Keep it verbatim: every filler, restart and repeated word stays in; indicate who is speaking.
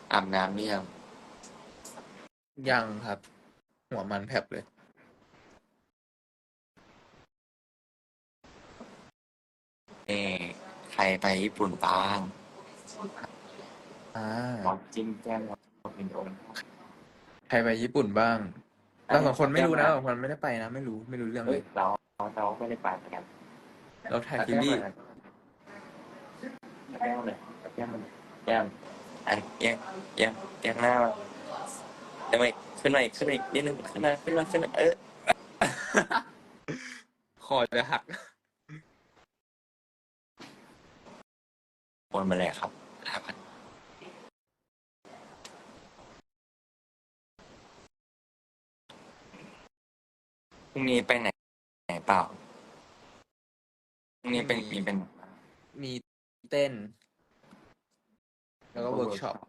Speaker 1: อาบน้ำหรือยัง
Speaker 2: ยังครับ หัวมันแผลบเลย
Speaker 1: เออใครไปญี่ปุ่นบ้าง
Speaker 2: อ่
Speaker 1: หมอ
Speaker 2: า
Speaker 1: จิ้มแก้มหมอเป็นองค์
Speaker 2: ใครไปญี่ปุ่นบ้าง
Speaker 1: อัน
Speaker 2: เราสองคนไม่รู้นะ
Speaker 1: แก้มมา
Speaker 2: เราสองคนไม่ได้ไปนะ ไม่รู้ไม่รู้เรื่อง
Speaker 1: เอ้ย
Speaker 2: เลย
Speaker 1: เราเราไม่ได้ไปเหมือนกัน
Speaker 2: เราถ่าย
Speaker 1: เอา
Speaker 2: ซีรีส์
Speaker 1: แก้มมาเอาแก้มมาเลยเอาแก้มมาเลยแก้มอันเอียงเอียงเอียงหน้ามาเดี๋ยวมาอีกขึ้นมาอีกขึ้นมาอีกนิดนึงขึ้นมาขึ้นมาขึ้นมาเออ
Speaker 2: คอจะหัก
Speaker 1: โอนมาเลยครับห้าพันพรุ่งนี้ไปไหนไหนเปล่าพรุ่งนี้เป็น
Speaker 2: พรุ่งนี้
Speaker 1: มีเป็น
Speaker 2: มีเต้น แล้วก็เวิร์กช็อป